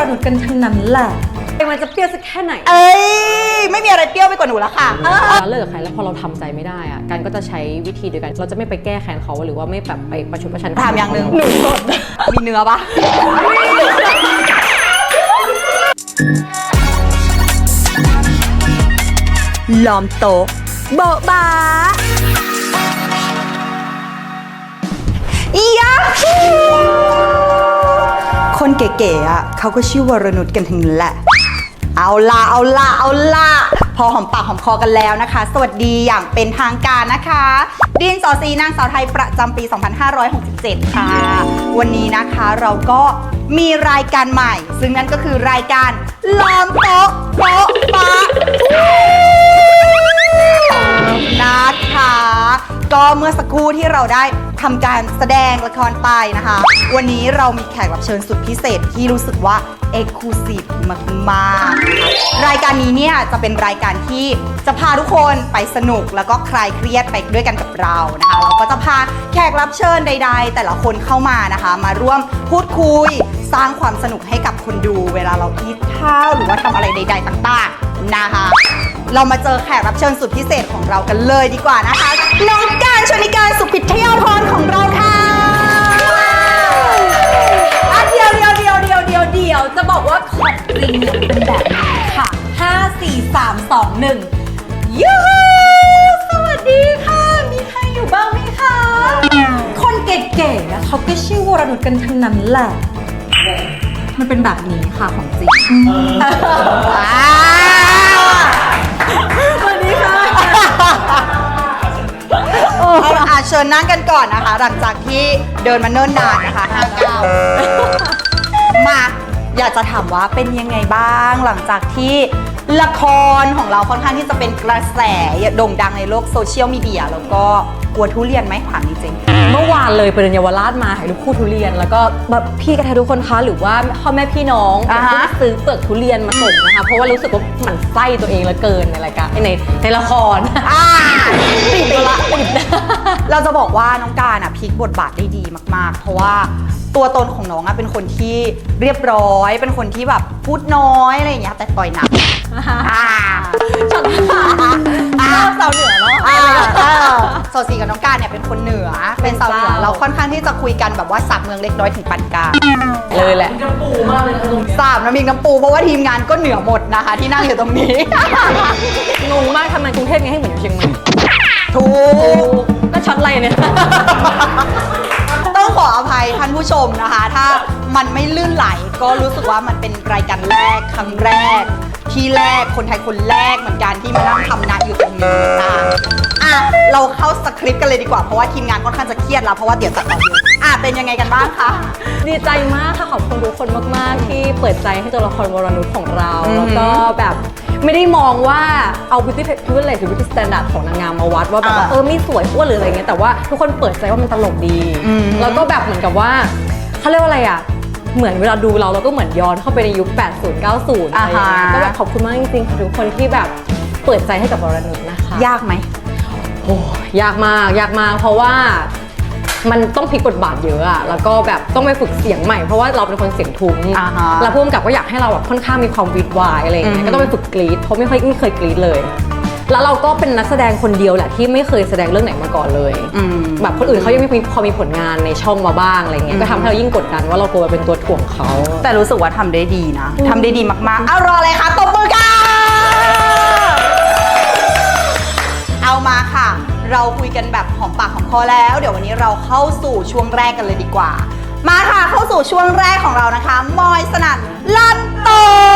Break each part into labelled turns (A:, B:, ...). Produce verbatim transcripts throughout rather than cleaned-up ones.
A: นุชกันทั้งนั้นแหละมันจะเปรี้ยวสักแค่ไหน
B: เอ้ยไม่มีอะไรเปรี้ยวไปกว่าหนูแล้วค่ะ
C: เราเลิกกับใครแล้วพอเราทำใจไม่ได้อะกันก็จะใช้วิธีเดียวกันเราจะไม่ไปแก้แค้นเขาหรือว่าไม่แบบไปประชดประชัน
B: ถามอย่างหนึ่งหนูสดมีเนื้อปะล้อมโต๊ะโบ๊ะบ้าอียะคนเก๋ๆอ่ะเขาก็ชื่อวรนุชกันทั้งนั้นแหละเอาละเอาละเอาละพอหอมปากหอมคอกันแล้วนะคะสวัสดีอย่างเป็นทางการนะคะดินสอซีนางสาวไทยประจำปี สองพันห้าร้อยหกสิบเจ็ด ค่ะวันนี้นะคะเราก็มีรายการใหม่ซึ่งนั่นก็คือรายการล้อมโต๊ะโป๊ะปะนะคะก็เมื่อสักครู่ที่เราได้ทำการแสดงละครไปนะคะวันนี้เรามีแขกรับเชิญสุดพิเศษที่รู้สึกว่าเอกลูซีฟมากๆรายการนี้เนี่ยจะเป็นรายการที่จะพาทุกคนไปสนุกแล้วก็คลายเครียดไปด้วยกันกับเรานะคะเราก็จะพาแขกรับเชิญใดๆแต่ละคนเข้ามานะคะมาร่วมพูดคุยสร้างความสนุกให้กับคนดูเวลาเราคิดข้าวหรือว่าทำอะไรใดๆต่างๆนะคะเรามาเจอแขกรับเชิญสุดพิเศษของเรากันเลยดีกว่านะคะน้องการชนิการสุพิทยาพรของเราค่ะ
A: เดียวเดียวเดียวเดียวเดียวเดียวจะบอกว่าของจริงเนี่ยเป็นแบบนี้ค่ะห้า สี่ สาม สอง หนึ่งยูฮูสวัสดีค่ะมีใครอยู่บ้างไหมคะคนเก๋ๆนะเขาก็ชื่อวรนุชกันทั้งนั้นแหละมันเป็นแบบนี้ค่ะของจริงสวัสดีค่ะ
B: เอาอาเชิญนั่งกันก่อนนะคะหลังจากที่เดินมาเนิ่นนานนะคะห้าเก้ามาอยากจะถามว่าเป็นยังไงบ้างหลังจากที่ละครของเราค่อนข้างที่จะเป็นกระแสโด่งดังในโลกโซเชียลมีเดียแล้วก็กลัวทุเรียนไหมถามจริง
C: เมื่อวานเลยไปเดินเยาวราชมาถ่ายรูปคู่ทุเรียนแล้วก็แบบพี่กระทายทุกคนคะหรือว่าพ่อแม่พี่น้องซื้อเปลือกทุเรียนมาส่งนะคะเพราะว่ารู้สึกว่าหมั่นไส้ตัวเองเหลือเกินในรายการในในละคร
B: อ่าติดละติดเราจะบอกว่าน้องการอ่ะพลิกบทบาทได้ดีมากๆเพราะว่าตัวตนของน้องอะเป็นคนที่เรียบร้อยเป็นคนที่แบบพูดน้อยอะไรอย่างเงี้ยแต่ต่อยหนักอ่า
A: ช็อตอ่าสาวเหนือเนาะ
B: โซซีกับน้องการเนี่ยเป็นคนเหนือเป็นสาวเหนือเราค่อนข้างที่จะคุยกันแบบว่าสับเมืองเล็กน้อยถึงปานกลาง
C: เลยแหละ
A: น้ำปูมากเลยตรงนี้
B: สามน้ำมิงน้ำปูเพราะว่าทีมงานก็เหนือหมดนะคะที่นั่งอยู่ตรงนี้
C: งงมากทำไมกรุงเทพไงให้เหมือนอยู่เชียงใหม่
B: ถูก
C: ก็ช็อตอะไรเนี่ย
B: ต้องขออภัยท่านผู้ชมนะคะถ้ามันไม่ลื่นไหลก็รู้สึกว่ามันเป็นรายการแรกครั้งแรกที่แรกคนไทยคนแรกเหมือนกันที่มานั่งทำนะอยู่ตรงนี้นะอ่ะเราเข้าสคริปต์กันเลยดีกว่าเพราะว่าทีมงานค่อนข้างจะเครียดแล้วเพราะว่าเดี๋ยวตัดต่อเยอะอ่ะเป็นยังไงกันบ้างคะ
C: ดีใจมากค่ะขอบคุณทุกคนมากๆที่เปิดใจให้ตัวละครวรนุชของเราแล้วก็แบบไม่ได้มองว่าเอา beauty privilege หรือ beauty standard ของนางงามมาวัดว่าแบบเออไม่สวยอ้วนหรืออะไรเงี้ยแต่ว่าทุกคนเปิดใจว่ามันตลกดีแล้วก็แบบเหมือนกับว่าเขาเรียกว่าอะไรอ่ะเหมือนเวลาดูเราเราก็เหมือนย้อนเข้าไปในยุคแปดสิบ เก้าสิบอะไรอย่างเงี้ยก็แบบขอบคุณมากจริงๆค่ะทุกคนที่แบบเปิดใจให้กับวรนุชนะคะ
B: ยากไหม
C: โอ้ยากมากยากมากเพราะว่ามันต้องพลิกบทบาทเยอะอะแล้วก็แบบต้องไปฝึกเสียงใหม่เพราะว่าเราเป็นคนเสียงทุ้มแล้วผู้กำกับก็อยากให้เราแบบค่อนข้างมีความวิดวายอะไรอย่างเงี้ยก็ต้องไปฝึกกรีดเพราะไม่ค่อยไม่เคยกรีดเลยแล้วเราก็เป็นนักแสดงคนเดียวแหละที่ไม่เคยแสดงเรื่องไหนมาก่อนเลยแบบคนอื่นเขายังไม่พอมีผลงานในช่องมาบ้างอะไรเงี้ยก็ทำให้เรายิ่งกดดันว่าเรากลัวเป็นตัวถ่วงเขา
B: แต่รู้สึกว่าทำได้ดีนะทำได้ดีมากๆเอารออะไรคะตบมือค่ะเอามาค่ะเราคุยกันแบบหอมปากหอมคอแล้วเดี๋ยววันนี้เราเข้าสู่ช่วงแรกกันเลยดีกว่ามาค่ะเข้าสู่ช่วงแรกของเรานะคะมอยสนั่นลั่นโต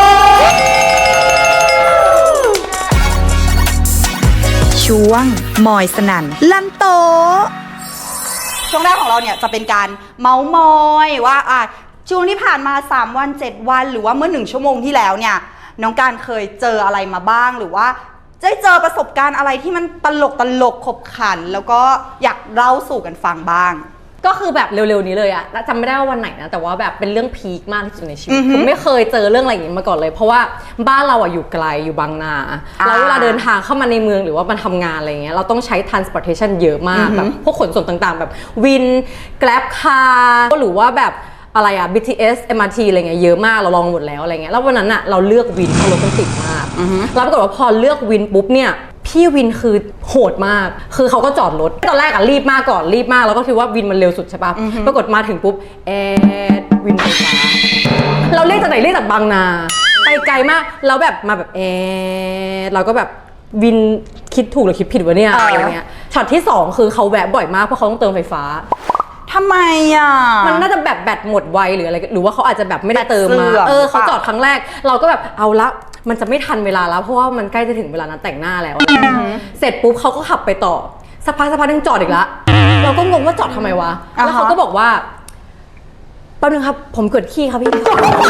B: ช่วงมอยสนั่นลั่นโตช่วงแรกของเราเนี่ยจะเป็นการเมาส์มอยว่าอ่ะช่วงที่ผ่านมาสามวันเจ็ดวันหรือว่าเมื่อหนึ่งชั่วโมงที่แล้วเนี่ยน้องการเคยเจออะไรมาบ้างหรือว่าได้เจอประสบการณ์อะไรที่มันตลกตลกขบขันแล้วก็อยากเล่าสู่กันฟังบ้าง
C: ก็คือแบบเร็วๆนี้เลยอะจำไม่ได้ว่าวันไหนนะแต่ว่าแบบเป็นเรื่องพีคมากที่สุดในชีวิตคือไม่เคยเจอเรื่องอะไรอย่างนี้มาก่อนเลยเพราะว่าบ้านเราอะอยู่ไกลอยู่บางนาแล้วเวลาเดินทางเข้ามาในเมืองหรือว่ามาทำงานอะไรเงี้ยเราต้องใช้ transportation เยอะมากแบบพวกขนส่งต่างๆแบบวิน Grab Car หรือว่าแบบอะไรอะ บี ที เอส เอ็ม อาร์ ที อะไรเงี้ยเยอะมากเราลองหมดแล้วอะไรเงี้ยแล้ววันนั้นอะเราเลือกวินเพราะรถมันติดมากแล้วปรากฏว่าพอเลือกวินปุ๊บเนี่ยพี่วินคือโหดมากคือเขาก็จอดรถตอนแรกอะรีบมากก่อนรีบมากแล้วก็คิดว่าวินมันเร็วสุดใช่ปะปรากฏมาถึงปุ๊บแอดวินไฟฟ้าเราเรียกจากไหนเรียกจากบางนาไปไกลมากแล้วแบบมาแบบแอดเราก็แบบวินคิดถูกหรือคิดผิดวะเนี่ยอะไรเงี้ยช็อตที่สองคือเขาแวะบ่อยมากเพราะเขาต้องเติมไฟฟ้า
B: ทำไมอ่ะ
C: มันน่าจะแบบแบตหมดไวหรืออะไรหรือว่าเขาอาจจะแบบไม่ได้เติมมาเออเขาจอดครั้งแรกเราก็แบบเอาละมันจะไม่ทันเวลาแล้วเพราะว่ามันใกล้จะถึงเวลานั้นแต่งหน้าแล้วเสร็จปุ๊บเขาก็ขับไปต่อสักพักสักพักนึงจอดอีกละเราก็งงว่าจอดทำไมวะแล้วเขาก็บอกว่าแป๊บนึงครับผมเกิดขี้ครับพี่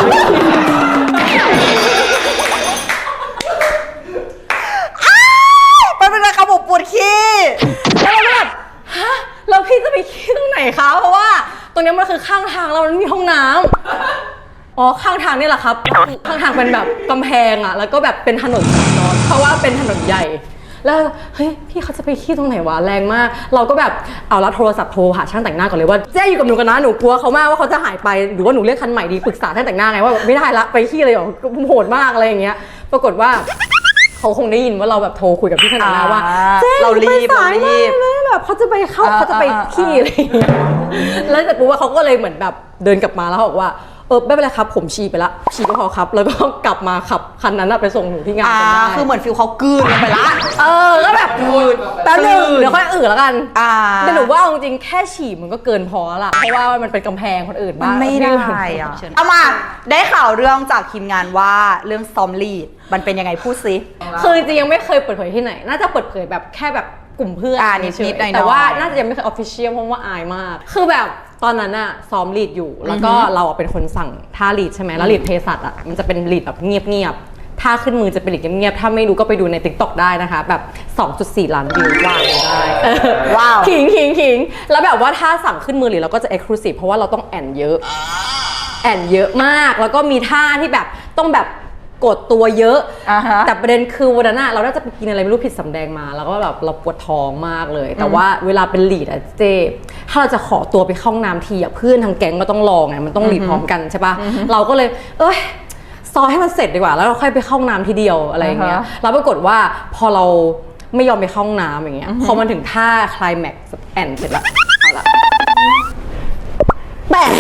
B: แป๊บนึงนะครับผมปวดขี้
C: แล้วเราแบบฮะแล้วพี่จะไปขี้ตรงไหนคะเพราะว่าตรงนี้มันคือข้างทางเรามันมีห้องน้ำอ๋อข้างทางนี่แหละครับข้างทางเป็นแบบกำแพงอ่ะแล้วก็แบบเป็นถนนสัญจรเพราะว่าเป็นถนนใหญ่แล้วเฮ้ยพี่เขาจะไปขี้ตรงไหนวะแรงมากเราก็แบบเอาละโทรศัพท์โทรหาช่างแต่งหน้าก่อนเลยว่าเจ๊อยู่กับหนูกันนะหนูกลัวเขามากว่าเขาจะหายไปหรือว่าหนูเรียกคันใหม่ดีปรึกษาช่างแต่งหน้าไงว่าไม่ได้ละไปขี้เลยหรอโหดมากอะไรอย่างเงี้ยปรากฏว่าเขาคงได้ยินว่าเราแบบโทรคุยกับพี่ช่างแต่งหน้าว่าเจ๊เรารีบเรารีบแบบเขาจะไปเข้าเขาจะไปขี้อะไรอย่างเงี้ยแล้วแต่กูว่าเขาก็เลยเหมือนแบบเดินกลับมาแล้วบอกว่าเออไม่เป็นไรครับผมฉี่ไปละฉี่ก็พอครับแล้วก็กลับมาขับคันนั้นไปส่งหนูที่งานกันได้
B: คือเหมือนฟิลเขากลืนไปละ
C: เออก็แบบกลืนแป๊บนึงเดี๋ยวค่อยอื่นแล้วกันแต่หนูว่าจริงๆแค่ฉี่มันก็เกินพอละเพราะว่ามันเป็นกำแพงคนอื่นบ้าง
B: ไม่ได้อะเอามาได้ข่าวเรื่องจากทีมงานว่าเรื่องซ้อมลีดมันเป็นยังไงพูดซิ
C: คือจริงๆยังไม่เคยเปิดเผยที่ไหนน่าจะเปิดเผยแบบแค่แบบกลุ่มเพื่อน
B: นิดๆหน่อยๆ
C: แต่ว่าน่าจะยังไม่เคยออฟฟิเชียลเพราะว่าอายมากคือแบบตอนนั้นอะซ้อมลีดอยู่แล้วก็เราเป็นคนสั่งท่าลีดใช่ไหมแล้วลีดเภสัชอะมันจะเป็นลีดแบบเงียบๆท่าขึ้นมือจะเป็นลีดเงียบๆถ้าไม่รู้ก็ไปดูใน ติ๊กต็อก ได้นะคะแบบ สองจุดสี่ ล้านวิวว้าวได้
B: ว้าว
C: ขิงขิงขิงแล้วแบบว่าถ้าสั่งขึ้นมือลีดเราก็จะเอ็กซ์คลูซีฟเพราะว่าเราต้องแอนเยอะแอนเยอะมากแล้วก็มีท่าที่แบบต้องแบบกดตัวเยอะ
B: uh-huh.
C: แต่ประเด็นคือวันนั้นเราน่าจะไปกินอะไรไม่รู้ผิดสำแดงมาแล้วก็แบบเราปวดท้องมากเลยแต่ว่าเวลาเป็นลีดอะเจถ้าเราจะขอตัวไปเข้าห้องน้ำทีอะเพื่อนทางแก๊งก็ต้องรอไงมันต้องลีดพร้อมกันใช่ปะเราก็เลยเอ้ยซอยให้มันเสร็จดีกว่าแล้วเราค่อยไปเข้าห้องน้ำทีเดียวอะไรอย่างเงี้ยแล้วปรากฏว่าพอเราไม่ยอมไปเข้าห้องน้ำอย่างเงี้ยพอมันถึงท่าไคลแม็กซ์แอนเสร็จละเอาละแปะ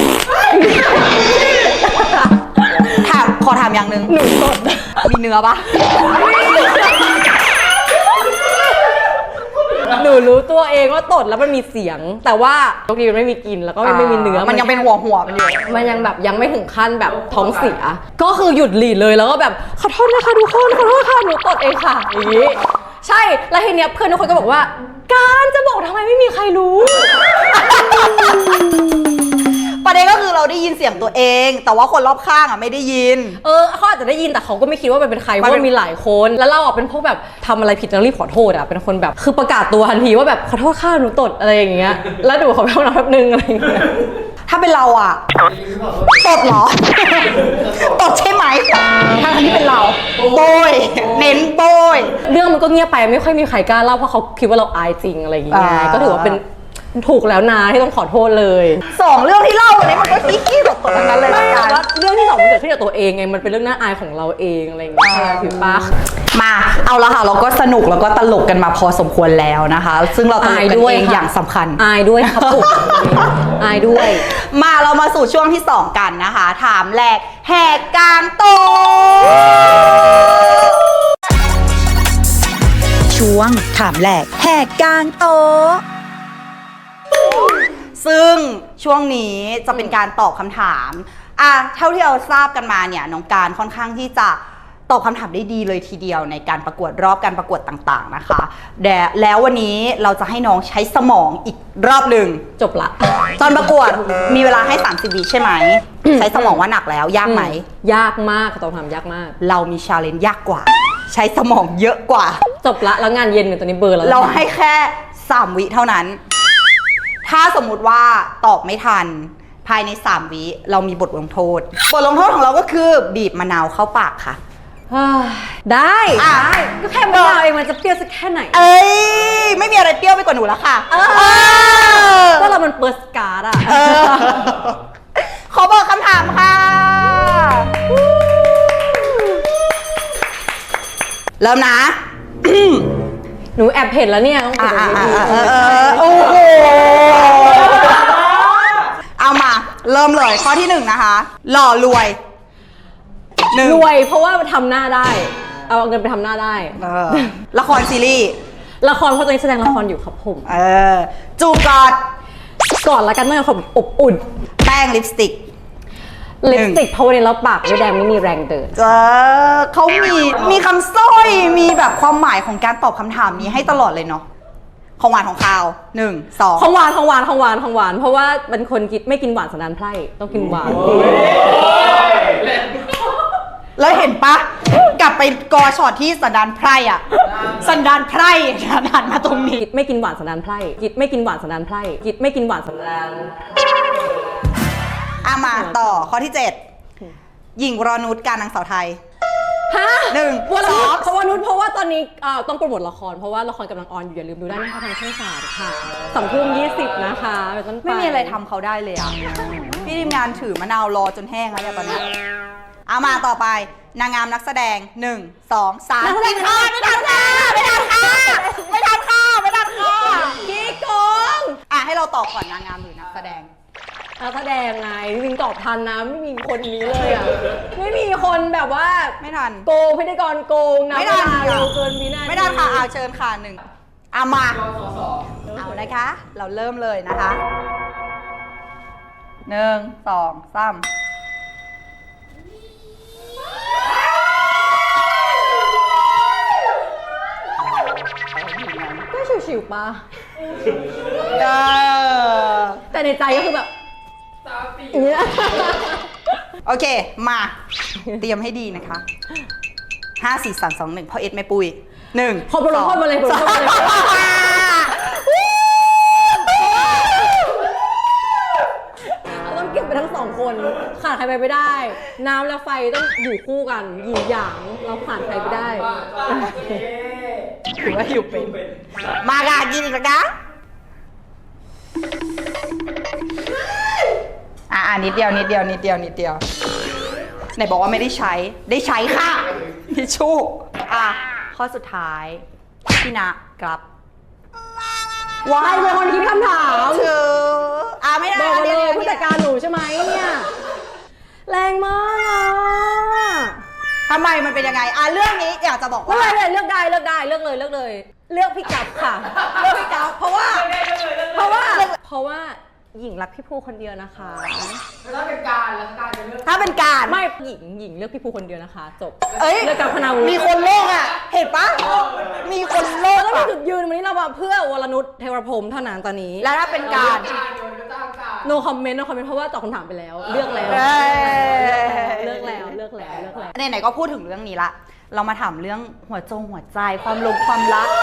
B: ถามขอถามอย่างหนึ่ง
C: หนูตด
B: มีเนื้อปะ
C: หนูรู้ตัวเองว่าตดแล้วมันมีเสียงแต่ว่าบางทีมันไม่มีกลิ่นแล้วก็ไม่มีเนื้อ
B: มันยังเป็นหัวหัวมันอยู่
C: มันยังแบบยังไม่ถึงขั้นแบบท้องเสียก็คือหยุดหลีดเลยแล้วก็แบบขอโทษนะคะทุกคนขอโทษค่ะหนูตดเองค่ะอย่างนี้ใช่แล้วทีเนี้ยเพื่อนทุกคนก็บอกว่าการจะบอกทำไมไม่มีใครรู้
B: ประเด็นก็คือเราได้ยินเสียงตัวเองแต่ว่าคนรอบข้างอ่ะไม่ได้ยิน
C: เออเขาอาจจะได้ยินแต่เขาก็ไม่คิดว่ามันเป็นใครเพราะว่ามีหลายคนแล้วเราอ่ะเป็นพวกแบบทำอะไรผิดแล้วรีบขอโทษอ่ะเป็นคนแบบคือประกาศตัวทันทีว่าแบบขอโทษค่ะหนูตดอะไรอย่างเงี้ยแล้วดูเขาไปห้องน้ำแป๊บนึงอะไรอย่างเงี้ย
B: ถ้าเป็นเราอ่ะตดเหรอตดใช่ไหมถ้าที่เป็นเราโบยเน้นโบย
C: เรื่องมันก็เงียบไปไม่ค่อยมีใครกล้าเล่าเพราะเขาคิดว่าเราอายจริงอะไรอย่างเงี้ยก็ถือว่าเป็นถูกแล้วนะที่ต้องขอโทษเลย
B: สองเรื่องที่เล่าวันนี้มันก็ขี้ขี้ตดๆทั้งนั้นเลย
C: แต่ว่าเรื่องที่สองมันเกิดขึ้นกับตัวเองไงมันเป็นเรื่องน่าอายของเราเองอะไรอย่างเงี้ยถือปะ
B: มาเอาละค่ะเราก็สนุกแล้วก็ตลกกันมาพอสมควรแล้วนะคะซึ่งเราตลกกันเองอย่างสำคัญ
C: อายด้วยครับผมอายด้วย
B: มาเรามาสู่ช่วงที่สองกันนะคะถามแรกแหกกลางโตช่วงถามแรกแหกกลางโตซึ่งช่วงนี้จะเป็นการตอบคำถามอ่ะเท่าที่เราทราบกันมาเนี่ยน้องการค่อนข้างที่จะตอบคำถามได้ดีเลยทีเดียวในการประกวดรอบการประกวดต่างๆนะคะแล้ววันนี้เราจะให้น้องใช้สมองอีกรอบหนึ่ง
C: จบละ
B: ตอนประกวดมีเวลาให้สามสิบวิใช่ไหม ใช้สมองว่าหนักแล้วยากไหม
C: ยากมากตอบคำถามยากมาก
B: เรามีชาเลนจ์ยากกว่าใช้สมองเยอะกว่า
C: จบละแล้วงานเย็นเนี่ยตอนนี้เบอร์แล้ว
B: เราให้แค่สามวิเท่านั้นถ้าสมมุติว่าตอบไม่ทันภายในสามวิเรามีบทลงโทษบทลงโทษของเราก็คือบีบมะนาวเข้าปากค่ะ
C: ได้ได้ก็แค่มะนาวเองมันจะเปรี้ยวสักแค่ไหน
B: เอ้ยไม่มีอะไรเปรี้ยวไปกว่าหนูแล้วค่ะ
C: ก็เรามันเปิร์สการ์ดอะ
B: เขาบอกเริ่มนะ
C: หนูแอบเห็นแล้วเนี่ยต้อง
B: อ่า
C: เปิด
B: อ่า
C: เวที
B: อ่าเออโอ้โหเอามาเริ่มเลยข้อที่หนึ่งนะคะ หล่อรวยหนึ่ง
C: รวยเพราะว่าทำหน้าได้ เอาเงินไปทำหน้าได้
B: เออละครซีรีส์
C: ละครเพราะตอนนี้แสดงละครอยู่ครับผม
B: เออจูบกอด
C: ก่อนละกันเมื่อผมอบอุ่น
B: แป้งลิปสติก
C: ลิปสติกเพราะวันนี้เราปากไม่แดงไม่มีแรงเดิน
B: เออเขามีมีคำสร้อยมีแบบความหมายของการตอบคำถามนี้ให้ตลอดเลยเนาะของหวานของคาวหนึ่งสอง
C: ของหวานของหวานของหวานของหวานเพราะว่าเป็นคนกินไม่กินหวานสันดานไพร่ต้องกินหวาน
B: แล้วเห็นปะกลับไปกอช็อตที่สันดานไพร่อะสันดานไพร่สันดานมาตรงนี้
C: กิดไม่กินหวานสันดานไพร่กิดไม่กินหวานสันดานไพร่กิดไม่กินหวานสันดาน
B: อ่ะมาต่อข้อที่เจ็ดหญิงวรนุชการนางสาวไทย
C: ฮะ
B: หนึ่ง
C: วร
B: ส
C: นุ
B: อ
C: ช
B: ง
C: เพราะวนุชเพราะว่าตอนนี้เอ่อต้องโปรโมทละครเพราะว่าละครกำลังออนอยู่อย่าลืมดูได้นะคะทางช่องสามค่ะสองทุ่มยี่สิบนะคะเป็นต้นป
B: ไม่มีอะไรทำเขาได้เลยอะพี่ทีมงานถือมะนาวรอจนแห้งแล้วเนี่ยตอนนี้เอามาต่อไปนางงามนักแสดงหนึ่งสองสามไม่ทันไม่ทันค่ะไม่ทันค่ะไม่ทันค่ะไม่ทันค่ะ
C: ขี้โกง
B: อ่ะให้เราตอบก่อนนางงามหรือนักแสดง
C: นักแสดงไงจริงๆตอบทันนะไม่มีคนนี้เลยอ่ะไม่มีคนแบบว่า
B: ไม่ทัน
C: โกงพิธีกรโกงนะ
B: ไม่
C: เว
B: ทัน
C: ลาเราเกินวินาที
B: ไม่ทันค่ะอาเชิญค่ะหนึ่งเอามาเอานะคะ เราเริ่มเลยนะคะหนึ่งสองสาม
C: ก็ชิวๆปะ
B: เออ
C: แต่ในใจก็คือแบบอย่างนี้นะ
B: โอเค มา เตรียมให้ดีนะคะห้าสี่สามสองหนึ่งพ่อเอ็ดแม่ปุ้ยหนึ่ง
C: ขอบคุณลงโทษมาเลยขอบคุณลงโทษมาเลยเราต้องเก็บไปทั้งสองคนขาดใครไปไม่ได้ น้ำและไฟต้องอยู่คู่กันหยินหยางเราขาดใครไม่ได้
B: ถือว่าอยู่เป็น มากากินอีกแล้วนะอ่านิดเดียวนิดเดียวนิดเดียวนิดเดียวไหนบอกว่าไม่ได้ใช้ได้ใช้ค่ะทิชชู่อ่ะข้อสุดท้ายพี่นะกลับ
C: วายเป็นคนคิดคำถาม
B: เธออ่ะไม่ได้
C: บอกมาเลย
B: ดี๋ว
C: ผู้จัดการหนูใช่ไหมเนี่ย แรงมากอะ
B: ทำไมมันเป็นยังไงอ่ะเรื่องนี้อยากจะบอก
C: ไม่
B: ว่า
C: เป็นไรเลือกได้เลือกได้เลือกเลยเลือกเลย เลือกพี่กับค่ะ เลือกพี่กับเพราะว่า เพราะว่า เพราะว่าหญิงรักพี่ภูคนเดียวนะคะ
D: ถ้าเป็นการแล้วการจะเลือก
B: ถ้าเป็นการ
C: ไม่หญิงหญิงเลือกพี่ภูคนเดียวนะคะ จบ
B: เอ้ย
C: เลือกกับพนาวุฒิ
B: มีคนโลกอ่ะ เห็นปะมีคนโลก
C: แล้วมี
B: อ่ะ
C: จุดยืนวันนี้เรามาเพื่อวรนุชเทวพรหมเท่านั้นตอนนี้
B: แล้วถ้าเป็นการ
D: การโดยก็จ้างการ
C: no comment no comment เพราะว่าตอบคำถามไปแล้ว เลือกแล้ว
B: เอ้ย
C: เลือกแล้วเลือกแล้วเลือกแล้ว
B: ไหนๆก็พูดถึงเรื่องนี้ละ เรามาถามเรื่องหัวจงหัวใจความลงความรัก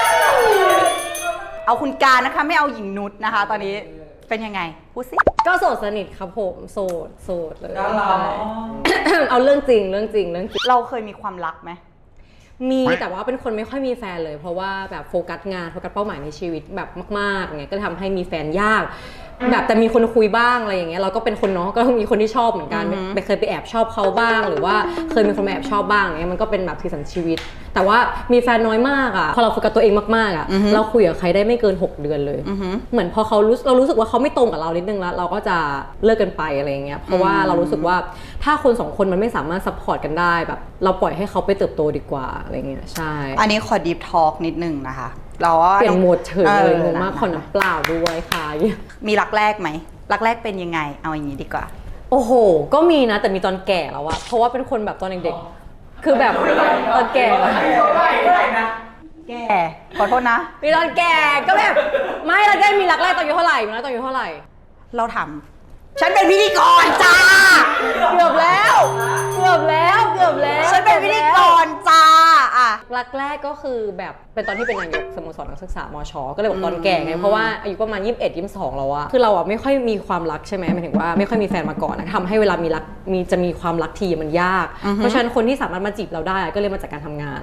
B: เอาคุณการนะคะไม่เอาหญิงนุชนะคะ ตอนนี้เป็นยังไงพูดสิ
C: ก็โสดสนิทครับผมโสดโสดเลย เอาเรื่องจริงเรื่องจริงเรื่องจริง
B: เราเคยมีความรักไหม
C: มีแต่ว่าเป็นคนไม่ค่อยมีแฟนเลย เพราะว่าแบบโฟกัสงานโฟกัสเป้าหมายในชีวิตแบบมากๆเงี้ยก็ทำให้มีแฟนยาก แบบแต่มีคนคุยบ้างอะไรอย่างเงี้ยเราก็เป็นคนเนาะก็มีคนที่ชอบเหมือนกันไปเคยไปแอบชอบเขาบ้าง หรือว่าเคยมีคนมาแอบชอบบ้างเงี้ยมันก็เป็นแบบสีสันชีวิต แต่ว่ามีแฟนน้อยมากอ่ะพอเราโฟกัสตัวเองมากๆอ่ะเราคุยกับใครได้ไม่เกินหกเดือนเลยเหมือนพอเขารู้เรารู้สึกว่าเขาไม่ตรงกับเรานิดนึงแล้วเราก็จะเลิกกันไปอะไรอย่างเงี้ยเพราะว่าเรารู้สึกว่าถ้าคนสองคนมันไม่สามารถซัพพอร์ตกันได้แบบเราปล่อยให้เขาไปเติบโตดีกว่าอะไรเงี้ยใช่
B: อันนี้ขอดีฟทอล์กนิดนึงนะคะ เราว่า
C: เปลี่ยนโหมดเฉยเลยงงมาก
B: เออ
C: ขอน้ำเปล่าด้วยค่ะ
B: มีรักแรกไหมรักแรกเป็นยังไง เอาอย่างนี้ดีกว่า
C: โอ้โห ก็มีนะแต่มีตอนแก่แล้วอะเพราะว่าเป็นคนแบบตอนเด็กๆคือแบบตอนแก่
B: แกขอโทษนะ
C: มีตอนแก่ก็แบบไม่เราได้มีรักแรกตอนอายุเท่าไหร่มีรักตอนอายุเท่าไหร่
B: เราถามฉันเป็นพิธีกรจ้า
C: เกือบแล้วเกือบแล้วเกือบแล้ว
B: ฉันเป็นพิธีกรจ้าอ่ะ
C: รักแรกก็คือแบบเป็นตอนที่เป็นนายกสโมสรนักศึกษามชก็เลยบอกตอนแก่ไงเพราะว่าอายุประมาณยี่สิบเอ็ด ยี่สิบสองแล้วอะคือเราอะไม่ค่อยมีความรักใช่ไหมหมายถึงว่าไม่ค่อยมีแฟนมาก่อนนะทำให้เวลามีรักมีจะมีความรักทีมันยาก เพราะฉะนั้นคนที่สามารถมาจีบเราได้ก็เลยมาจากการทำงาน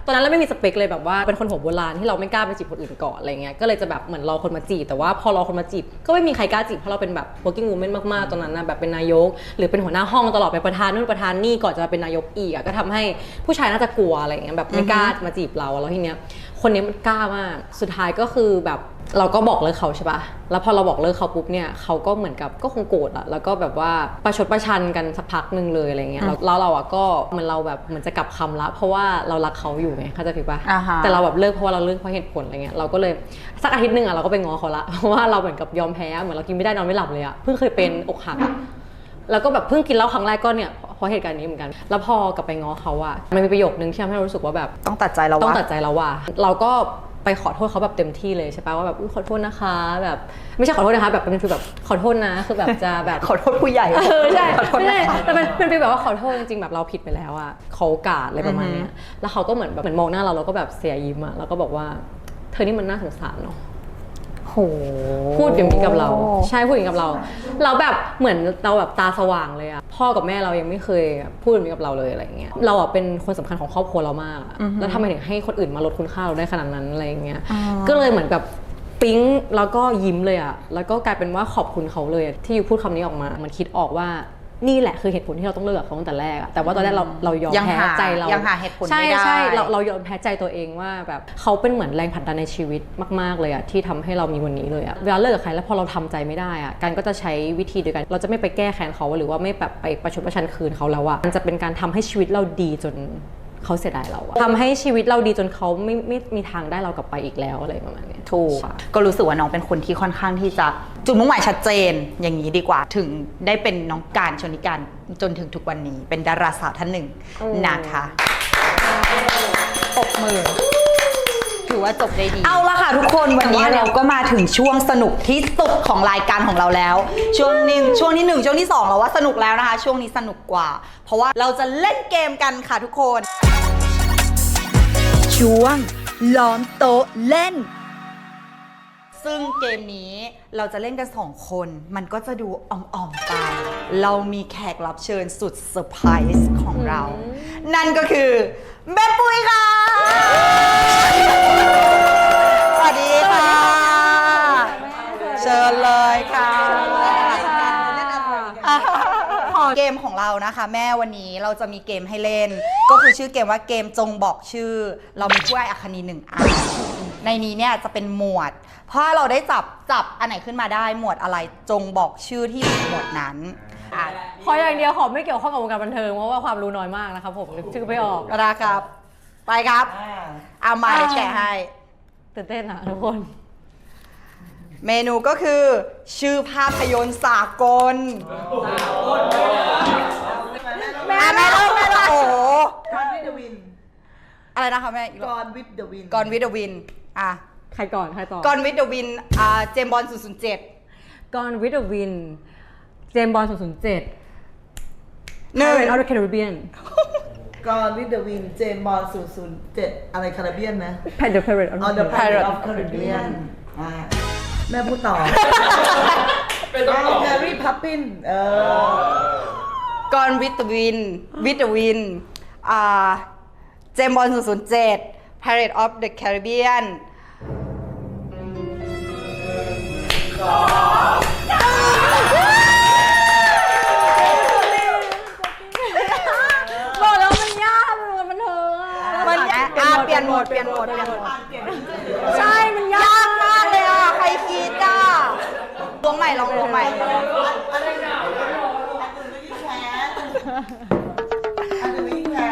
C: ตอนนั้นเราไม่มีสเปคเลยแบบว่าเป็นคนหัวโบราณที่เราไม่กล้าไปจีบคนอื่นก่อนอะไรเงี้ยก็เลยจะแบบเหมือนรอคนมาจีบแต่ว่าพอรอคนมาจีบก็ไม่มีใครกล้าจีบเพราะเราเป็นแบบ working woman มากๆตอนนั้นนะแบบเป็นนายกหรือเป็นหัวหน้าห้องตลอดเป็นประธานนู่นประธานนี่ก่อนจะเป็นนายกอีกอะก็ทำให้ผู้ชายน่าจะกลัวอะไรเงี้ยแบบไม่กล้ามาจีบเราแล้วทีเนี้ยคนนี้มันกล้ามากสุดท้ายก็คือแบบเราก็บอกเลิกเขาใช่ปะแล้วพอเราบอกเลิกเขาปุ๊บเนี่ยเขาก็เหมือนกับก็คงโกรธอะแล้วก็แบบว่าประชดประชันกันสักพักหนึ่งเลยอะไรเงี้ยแล้วเราอะก็เหมือนเราแบบเหมือนจะกลับคำละเพราะว่าเรารักเขาอยู่ไงเข้าใจผิดปะ
B: อ่าฮะ
C: แต่เราแบบเลิกเพราะว่าเราเลิกเพราะเหตุผลอะไรเงี้ยเราก็เลยสักอาทิตย์หนึ่งอะเราก็ไปง้อเขาละเพราะว่าเราเหมือนกับยอมแพ้เหมือนเรากินไม่ได้นอนไม่หลับเลยอะเพิ่งเคยเป็นอกหักแล้วก็แบบเพิ่งกินเหล้าครั้งแรกก็เนี่ยเพราะเหตุการณ์นี้เหมือนกันแล้วพอกลับไปง้อเขาอะมันมีประโยคนึงที่ทำให้เรารู้สึกว่าแบบ
B: ต้องตัดใจเรา
C: ต้อง
B: วะ
C: ตัดใจแล้วว่ะเราก็ไปขอโทษเขาแบบเต็มที่เลยใช่ปะว่าแบบขอโทษนะคะแบบไม่ใช่ขอโทษนะคะแบบเป็นฟีลแบบขอโทษนะคือแบบจะแบบ
B: ขอโทษผู้ใหญ่
C: เออใช่
B: ขอโทษ
C: ไม่
B: นะ
C: ใช่
B: คะ
C: แต่เป็นเป็นฟีลแบบว่าขอโทษจริงๆแบบเราผิดไปแล้วอะเขาโอกาสอะไรประมาณเนี้ยแล้วเขาก็เหมือนแบบเหมือนมองหน้าเราแล้วก็แบบเสียยิ้มอะแล้วก็บอกว่าเธอนี่มันน่าสงสารเนาะ
B: โห
C: พูดอย่างนี้กับเราใช่พูดอย่างนี้กับเราเราแบบเหมือนเราแบบตาสว่างเลยอะพ่อกับแม่เรายังไม่เคยพูดอย่างนี้กับเราเลยอะไรเงี้ยเราอะเป็นคนสำคัญของครอบครัวเรามากอะแล้วทำไมถึงให้คนอื่นมาลดคุณค่าเราได้ขนาดนั้นอะไรเงี้ยก็เลยเหมือนแบบปิ๊งแล้วก็ยิ้มเลยอะแล้วก็กลายเป็นว่าขอบคุณเขาเลยที่อยู่พูดคำนี้ออกมามันคิดออกว่านี่แหละคือเหตุผลที่เราต้องเลิกกับเขาตั้งแต่แรกอะแต่ว่าตอนแรกเราเรายอม
B: ยัง
C: แพ้
B: หา
C: ใจเรา
B: ยังหาเหตุผล
C: ใช่
B: ไม่ได้
C: ใช่เราเรายอมแพ้ใจตัวเองว่าแบบเขาเป็นเหมือนแรงผลักดันในชีวิตมากๆเลยอะที่ทำให้เรามีวันนี้เลยอะเวลาเลิกกับใครแล้วพอเราทำใจไม่ได้อะการก็จะใช้วิธีเดียวกันเราจะไม่ไปแก้แค้นเขาหรือว่าไม่แบบไปประชดประชันคืนเขาแล้วอะมันจะเป็นการทำให้ชีวิตเราดีจนเขาเสียดายเราอะทำให้ชีวิตเราดีจนเขาไม่ไม่มีทางได้เรากลับไปอีกแล้วอะไรประมาณเนี้ย
B: ถูกก็รู้สึกว่าน้องเป็นคนที่ค่อนข้างที่จะจุดมุ่งหมายชัดเจนอย่างนี้ดีกว่าถึงได้เป็นน้องการชนิการจนถึงทุกวันนี้เป็นดาราสาวท่านหนึ่งนะคะปรบมือถือว่าจบได้ดีเอาละค่ะทุกคนวันนี้เราก็มาถึงช่วงสนุกที่สุดของรายการของเราแล้ว ช่วงหนึ่งช่วงที่หนึ่งช่วงที่สองเราว่าสนุกแล้วนะคะช่วงนี้สนุกกว่า เพราะว่าเราจะเล่นเกมกันค่ะทุกคนช่วงล้อมโต๊ะเล่นซึ่งเกมนี้เราจะเล่นกันสองคนมันก็จะดูอ่อมๆไปเรามีแขกรับเชิญสุดเซอร์ไพรส์ของเรา นั่นก็คือแม่ปุ้ยค่ะสวัสดีค่ะเชิญเลยค่ะเกมของเรานะคะแม่วันนี้เราจะมีเกมให้เล่น ก็คือชื่อเกมว่าเกมจงบอกชื่อ เรามีถ้วยอัคนีหนึ่งอันในนี้เนี่ยจะเป็นหมวดเพราะเราได้จับจับอันไหนขึ้นมาได้หมวดอะไรจงบอกชื่อที่อยู่ในหมวดนั้นอ่ะ
C: ขออย่างเดียวขอไม่เกี่ยวข้องกับวงการบันเทิงเพราะว่าความรู้น้อยมากนะครับผมนึกชื่อไม่ออก
B: นะครับ ไปครับเอามาเดี๋ยวแกะให้
C: ตื่นเต้นอะทุกคน
B: เมนูก็คือ ชื่อภาพยนตร์สากลแม่แม่เลิกแม่เลิกโอ้โห
D: กอนวิดวิน
B: อะไรนะคะแม่อีก
D: ก
B: รอบ
D: อนวิดเดวิน
B: กอนวิดวินอ่ะ
C: ใครก่อนใครต่อ
B: กอนวิดวินอ่าเจมบอลศูนย์ศูนย์เจ็ด
C: กอนวิดวินเจมบอลศูนย์ศูนย์เจ็ด
B: หนึ่ง
C: Pirates of the Caribbean
D: กอนวิดเดวินเจมส์บอลศูนย์ศูนย์เจ็ดอะไรคาราเบียนนะ
C: The Pirates of
D: อ๋อ
C: the
D: The
C: Caribbean
D: Pirate of Caribbean อ่าแม่พูดต่อเป็นต้องต่อแฮร์รี่พับปินเออก
B: อนวิดวินวิดวินอ่าเจมบอลศูนย์ศูนย์เจ็ด Pirate of the Caribbean
C: บอกแล้วมันยากมันบันเทิงอะ
B: มันยากอ่ะเปลี่ยนโหมดเปลี่ยนโหมดเปลี่ยนโหมด
C: ใช่มันยาย
B: าก กมากเลยอ่ะ ใครคิดอ่ะลวงใหม่ลองลวงใหม่
D: อะไรนะอันนี้วิ่งแพ้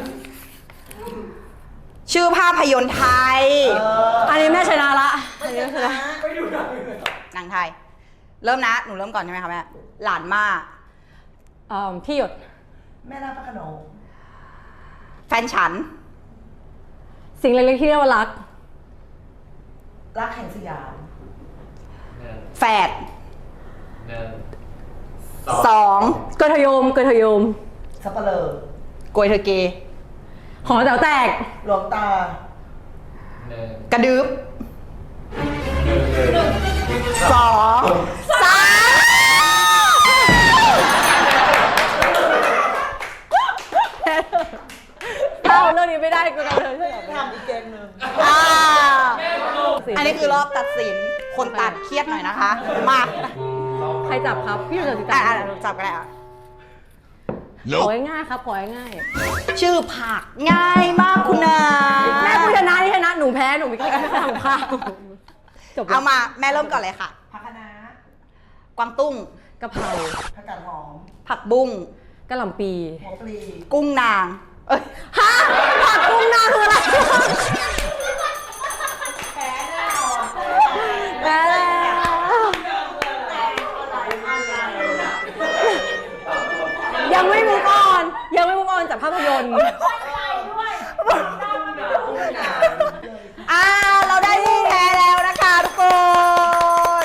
B: ชื่อภาพยนตร์ไทย
C: อันนี้แม่ชนะละอันนี้แม่ชนะ
B: หนังไทย เริ่มนะ หนูเริ่มก่อนใช่ไหมคะแม่ หลานมา
C: อ่าพี่หยด
D: แม่นาคพระโขนง
B: แฟนฉัน
C: สิ่งเล็กๆที่เรียกว่ารัก
D: รักแห่งสยาม
B: แฝด
E: หนึ่ง
B: สอง
C: เกยทยมเกยทยม
D: สับปะเลอ
B: โกยเธอเกย์
C: หอแต๋วแตก
D: หลวงตา
E: หนึ่ง
B: กระดึบ
E: หนึ่ง
B: สองสาม
C: เอ้าเรื่องนี้ไม่ได้กูกันเลยใช่ไหม
B: คนตัดเครียดหน่อยนะคะ มา
C: ใครจับครับพี่หนูจับ
B: อ่ะ
C: จั
B: อ่ะจับกันเลยอ่ะ
C: ของ่ายๆครับของ่าย
B: ชื่อผักง่ายมากคุณนา
C: ๆแม่กูชนะนี่ชนะหนูแพ้หนูไม่กล้าทำข้าวจบแล้ว
B: เอามาแม่เริ่มก่อนเลยค่ะ
D: ผักคะน้าก
B: วางตุ้ง
C: กะเพรา
D: ผักกาดหอม
B: ผักบุ้ง
C: กะหล่ำปี
D: หัวปลี
B: กุ้งนาง เอ้ย
C: ฮะผักกุ้งนาคืออะไรแพ้แล้วยังไม่มุกออนยังไม่มุกออนจากภาพยนตร์
B: อ่าเราได้ผู้แพ้แล้วนะคะทุกคน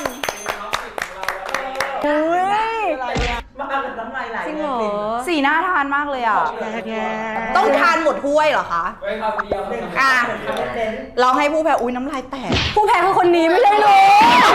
B: อุ้ย
D: มาเอาแบบน้ำลายไหล
C: จริงเหรอ
B: สีน่าทานมากเลยอ่ะ ต้องทานหมดถ้วยเหรอคะ
E: ไว้คำเดียว
B: อ่ะ
D: เน้น
B: เราให้ผู้แพ้อุ้ยน้ำลายแตก
C: ผู้แพ้คือคนนี้ไม่ใช่หนู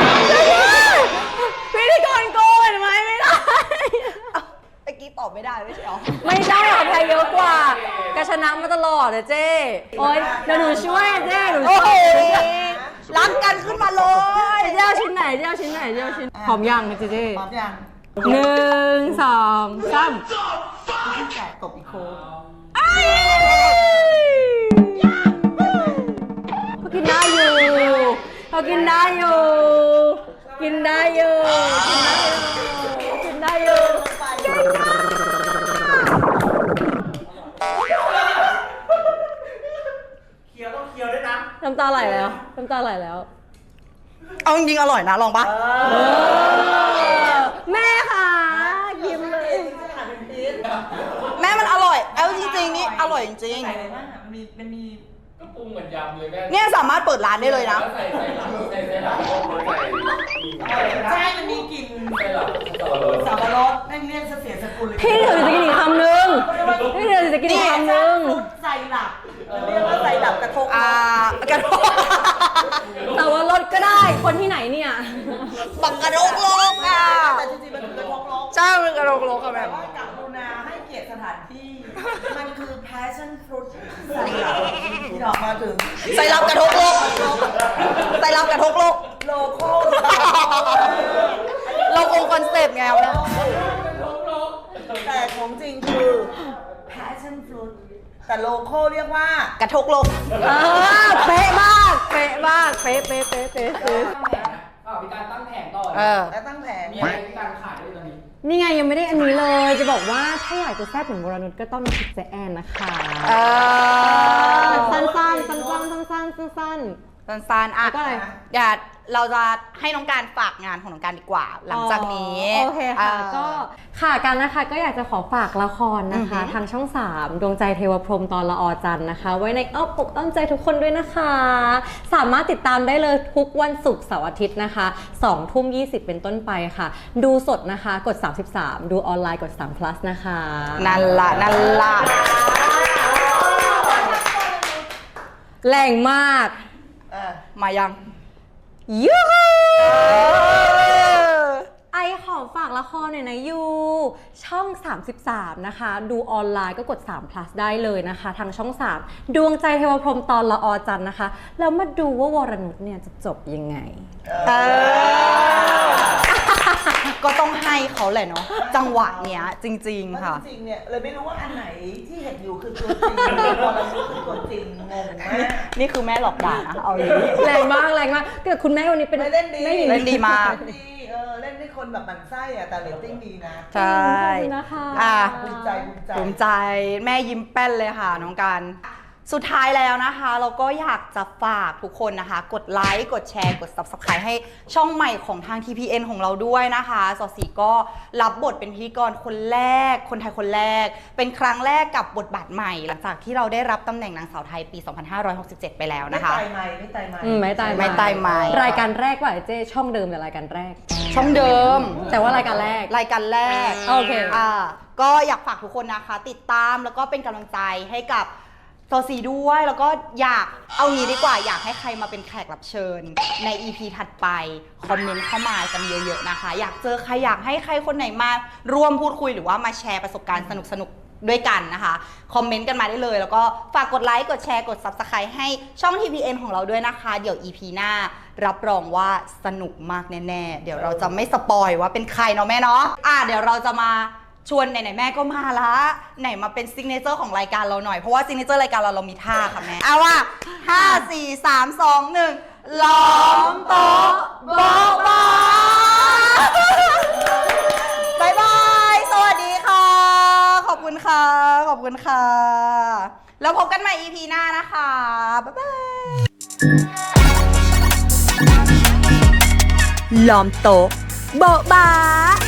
C: พิธีกรโกงเห็นไหมไม่ได้
B: เมื่อกี้ตอบไม่ได้ไม่ใช่หรอ
C: ไม่ได้หรอกแพ้เยอะกว่ากระชนะมาตลอดเลยเจ้โอ๊ยเดี๋ยวหนูช่วยเจ้หนู
B: โอ้
C: ช่
B: โห
C: วย
B: รักกันขึ้นมาเลย
C: เจ้เอาชิ้นไหนเจ้เอาชิ้นไหนเจ้เอาชิ้นพร้อมยังเจ๊เจ้
D: พร้อมยัง
C: หนึ่งสองสาม
D: ที่แตกตบอีกโค้ง
C: เขากินได้อยู่เขากินได้อยู่ กินได้อยู่ กินได้อยู่ กินได้อยู่
D: เคี้ยวต้องเคี้ยวด้วยนะ
C: น้ำตาไหลแล้ว น้ำตาไหลแล้ว
B: เอาจริงๆอร่อยนะลองปะ
C: แม่ค่ะยิ้มเลย
B: แม่มันอร่อย เอาจริงๆนี่อร่อยจริง
D: ใส่อะไรบ้างอ่ะมันมีมันมี
E: ก็ปรุงเหมือนยำเลยแม่
B: ๆเนี่ยสามารถเปิดร้านได้เลยนะ
E: ใส่ใส่หลังใส่ใส่หลังใส่
D: ใช่มันมีกลิ่น
E: ใส่หลังสับปะรด
D: สับปะรดแม่งเรียกเสียสกุลเลย
C: พี่เดี๋ยวจะกินอีกคำนึงพี่เดี๋ยวจะกินอีกคำนึง
D: ใส่หลับเรียกว่าใส่หลับกระทง
B: อ่ากระโดด
C: แต่ว่ารถก็ได้ คนที่ไหนเนี่ย
B: บักกระโดกโลกอ่ะ
D: แต่จริงๆมันคือกระทงโลก
B: ใช่มันกระโดกโลกอะแบ
D: แต่
B: บ
D: ว่ากับรุณาให้เกียรติสถานที่ มันคือ passion fruit ใส่หลับที่ออกมาถึง
B: ใส่รับกระทกโลกใส่รับกระทกโลก
D: โลโก้
B: เราคงคอนเซปต์ไงวะ
D: แต่ของจริงคือ passion fruit แต่โลโก้เรียกว่าก
B: ระทกโลก
C: เออเป๊ะมาก เป๊ะมาก เป๊ะเป๊ะเป๊ะเป๊ะเป๊ะ
E: ตั้งแผงนะอ่ามีการตั้งแผงต่อ
B: เออ
D: และตั้งแผง
E: มีอะไรมีการขายด้วยตอนนี้
C: นี่ไงยังไม่ได้อันนี้เลย จะบอกว่าถ้าอยากจะแซ่บเหมือนวรนุชก็ต้องน้ำพริกเจแอนนะคะ
B: เออ
C: สั้นๆสั้นๆสั้นๆสั้นๆสั้น
B: สั้นๆอ่ะ
C: แล้วก็อะไร
B: เดี๋ยวเราจะให้น้องการฝากงานของน้องการดีกว่า หลังจากนี้
C: อ๋อโอเคค่ะ
B: เออ
C: ก็ค่ะกันนะคะก็อยากจะขอฝากละครนะคะ
B: อือหือ
C: ทางช่องสามดวงใจเทวพรหมตอนละออจันทร์นะคะ ไว้ในอ้อมอกอ้อมใจทุกคนด้วยนะคะ สามารถติดตามได้เลยทุกวันศุกร์เสาร์อาทิตย์นะคะสองทุ่มยี่สิบเป็นต้นไปค่ะ ดูสดนะคะกดสามสิบสามดูออนไลน์กดสาม plus นะคะ
B: นั่นละนั่นละ
C: แรงมาก
D: เออ
B: มายัง
C: ยูฮูไอขอฝากละครหน่อยนะยูช่องสามสิบสามนะคะ ดูออนไลน์ก็กดสาม plus ได้เลยนะคะ ทางช่องสามดวงใจเทวพรหมตอนละออจันทร์นะคะ แล้วมาดูว่าวรนุชเนี่ยจะจบยังไง
B: เออ ก็ต้องให้เขาแหละเนาะจังหวะเนี้ยจริง ๆ ค่ะ
D: จริงๆเนี่ยเลยไม่รู้ว่าอันไหนที่เห็นอยู่คือตัวจริงพอเรารู้คือตัวจริงงงมาก
B: นี่คือแม่หลอกด่านะเอาอย่างนี้
C: แรงมากแรงมากเกิดคุณแม่วันนี้เป็น
D: ไม่เล่นดี
C: แม่หญิง
B: เล่นดีมาก
D: เล่นดีเออเล่นให้คนแบบหมั่นไส้อะแต่เรตติ้งดีนะ
B: ใช่
C: ขอบคุณนะคะ
B: อ่ะ
D: ภูมิใจภูมิใจ
B: ภูมิใจแม่ยิ้มแป้นเลยค่ะน้องการสุดท้ายแล้วนะคะ เราก็อยากจะฝากทุกคนนะคะ กดไลค์กดแชร์กด ซับสไครบ์ ให้ช่องใหม่ของทาง ที พี เอ็น ของเราด้วยนะคะสอสีก็รับบทเป็นพิธีกรคนแรก คนไทยคนแรก เป็นครั้งแรกกับบทบาทใหม่ หลังจากที่เราได้รับตำแหน่งนางสาวไทยปี สองพันห้าร้อยหกสิบเจ็ด ไปแล้ว
D: ไม่
B: นะคะ
D: ตายไหมไม่ตายไหม
C: อืมไม่ตาย
B: ไม่ตายไหม
C: รายการแรกว่าเจ๊ช่องเดิมแต่รายการแรก
B: ช่องเดิม
C: แต่ว่ารายการแรก
B: รายการแรก
C: โอเค
B: อ่าก็อยากฝากทุกคนนะคะ ติดตามแล้วก็เป็นกำลังใจให้กับโซซีด้วยแล้วก็อยากเอางี้ดีกว่าอยากให้ใครมาเป็นแขกรับเชิญใน อี พี ถัดไปคอมเมนต์เข้ามากันเยอะๆนะคะ อยากเจอใครอยากให้ใครคนไหนมาร่วมพูดคุยหรือว่ามาแชร์ประสบการณ์สนุกๆด้วยกันนะคะคอมเมนต์กันมาได้เลยแล้วก็ฝากกดไลค์กดแชร์กด ซับสไครบ์ ให้ช่อง ที พี เอ็น ของเราด้วยนะคะเดี๋ยว อี พี หน้ารับรองว่าสนุกมากแน่ๆเดี๋ยวเราจะไม่สปอยว่าเป็นใครเนาะแม่เนาะอ่ะเดี๋ยวเราจะมาชวนไหนๆแม่ก็มาละไหนมาเป็นซิกเนเจอร์ของรายการเราหน่อยเพราะว่าซิกเนเจอร์รายการเราเรามีท่าค่ะแม่เอาว่าห้าสี่สามสองหนึ่งล้อมโต๊ะโบ๊ะบ้าบายบายสวัสดีค่ะขอบคุณค่ะขอบคุณค่ะแล้วพบกันใหม่ อี พี หน้านะคะบ๊ายบายล้อมโต๊ะโบ๊ะบ้า